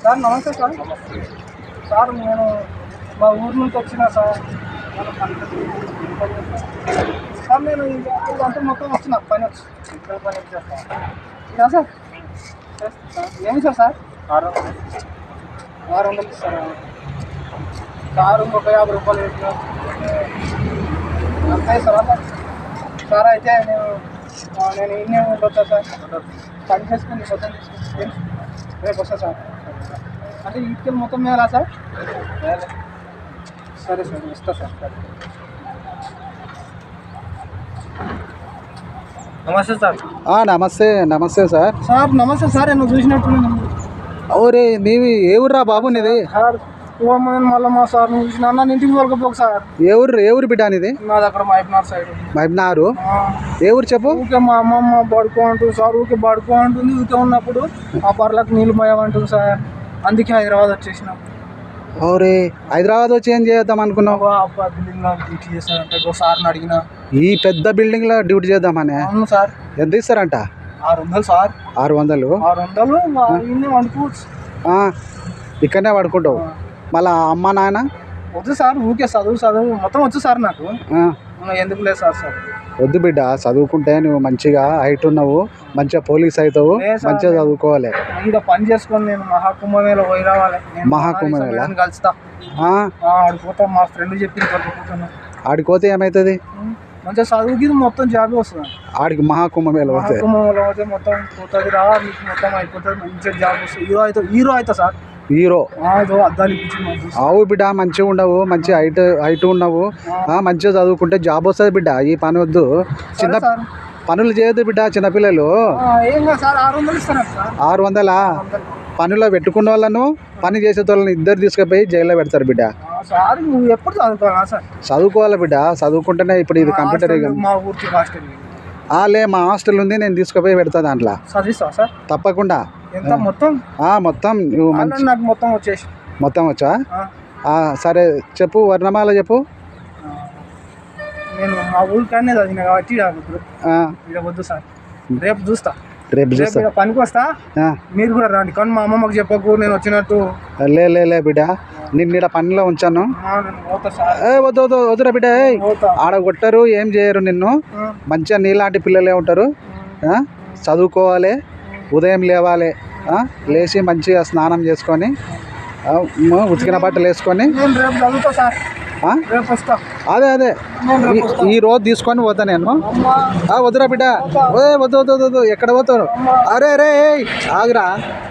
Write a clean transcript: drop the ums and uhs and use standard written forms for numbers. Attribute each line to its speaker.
Speaker 1: Sir నమస్తే sir. Sir నేను మా ఊరు నుంచి వచ్చిన సార్. సార్ నేను ఇదంతా మొత్తం వస్తున్నా పని వచ్చి ఇక్కడ పని చేస్తాను సార్. ఏమి సార్ 600 ఇస్తారా? కారు ఒక 50 రూపాయలు అంతే సార్. సార్ అయితే నేను ఇన్నే ఉండొచ్చా సార్? పని చేసుకుని మొత్తం తీసుకుని రేపు వస్తా సార్. అంటే ఇంటికి మొత్తం మేలా సార్? సరే సార్ ఇస్తా సార్. నమస్తే సార్.
Speaker 2: నమస్తే సార్.
Speaker 1: సార్ నమస్తే సార్. నేను చూసినట్టు
Speaker 2: ఓరే నీవి ఏ ఊర్రా బాబు నీది?
Speaker 1: సార్ మళ్ళీ మా సార్ చూసిన నన్ను ఇంటికి తోలుకపోక సార్.
Speaker 2: ఏ ఊరు బిడ్డ నీది?
Speaker 1: నాది అక్కడ మైబ్నార్ సైడ్.
Speaker 2: మైబ్నారు ఏ ఊరు చెప్పు?
Speaker 1: ఊకే మా అమ్మమ్మ పడుకో అంటుంది సార్. ఊకే పడుకో అంటుంది. ఊకే ఉన్నప్పుడు ఆ బర్లకు నీళ్ళు పోయామంటుంది సార్. అందుకే హైదరాబాద్ వచ్చేసినాం.
Speaker 2: ఓరే హైదరాబాద్ వచ్చి ఏం చేద్దాం అనుకున్నావు?
Speaker 1: బిల్డింగ్లో డ్యూటీ చేస్తారంటే ఒకసారిని అడిగిన.
Speaker 2: ఈ పెద్ద బిల్డింగ్ లో డ్యూటీ చేద్దామని?
Speaker 1: అవును సార్.
Speaker 2: ఎంత ఇస్తారంట?
Speaker 1: 600 సార్.
Speaker 2: 600
Speaker 1: వండుకోవచ్చు.
Speaker 2: ఇక్కడనే పడుకుంటావు? మళ్ళా అమ్మ నాయన?
Speaker 1: వద్దు సార్. ఊకే చదువు మొత్తం వచ్చు సార్. నాకు ఎందుకు లేదు సార్.
Speaker 2: వద్దు బిడ్డ, చదువుకుంటే నువ్వు మంచిగా హైట్ ఉన్నావు, మంచిగా పోలీస్ అవుతావు, మంచిగా చదువుకోవాలి.
Speaker 1: ఇంకా పని చేసుకొని నేను మహాకుంభమేళ పోయి రావాలి.
Speaker 2: మహాకుంభమేళ
Speaker 1: కలుస్తా. ఆడిపోతా. మా ఫ్రెండ్ చెప్పింది పట్టుకుంటున్నా.
Speaker 2: ఆడిపోతే ఏమవుతుంది?
Speaker 1: మంచిగా చదువుకి మొత్తం జాబ్ వస్తుంది.
Speaker 2: ఆడికి మహాకుంభమేళ పోతే
Speaker 1: మొత్తం పోతుంది రా. మీకు మొత్తం అయిపోతుంది. మంచిగా జాబ్ వస్తుంది. హీరో అవుతా సార్.
Speaker 2: హీరో
Speaker 1: అద్దాలు
Speaker 2: అవు బిడ్డ. మంచిగా ఉండవు, మంచి హైట్ ఉన్నావు, మంచిగా చదువుకుంటే జాబ్ వస్తుంది బిడ్డ. ఈ పని వద్దు, చిన్న పనులు చేయొద్దు బిడ్డ. చిన్నపిల్లలు 600 పనిలో పెట్టుకున్న వాళ్ళను, పని చేసే వాళ్ళని ఇద్దరు తీసుకుపోయి జైల్లో పెడతారు బిడ్డ. చదువుకోవాలి బిడ్డ. చదువుకుంటేనే ఇప్పుడు ఇది కంప్యూటర్. మా హాస్టల్ ఉంది, నేను తీసుకుపోయి పెడతా దాంట్లో. తప్పకుండా. మొత్తం
Speaker 1: నాకు
Speaker 2: మొత్తం వచ్చా? సరే చెప్పు, వర్ణమాల చెప్పు.
Speaker 1: నేను మా ఊరికనే చదివిన కాబట్టి వద్దు సార్. రేపు చూస్తా పనికి వస్తా. మీరు కూడా రండి. కానీ మా అమ్మమ్మకి చెప్పకు నేను వచ్చినట్టు.
Speaker 2: లే బిడ్డ, నిన్న పనిలో ఉంచాను. వద్దురా బిడ్డ. ఆడ కొట్టరు, ఏం చేయరు నిన్ను. మంచిగా నీలాంటి పిల్లలే ఉంటారు. చదువుకోవాలి, ఉదయం లేవాలి, లేచి మంచిగా స్నానం చేసుకొని ఉతికిన బట్టలు వేసుకొని అదే ఈ రోజు తీసుకొని పోతా నేను. వద్దురా బిడ్డ. వద్దు ఎక్కడ పోతారు? అరే ఆగురా.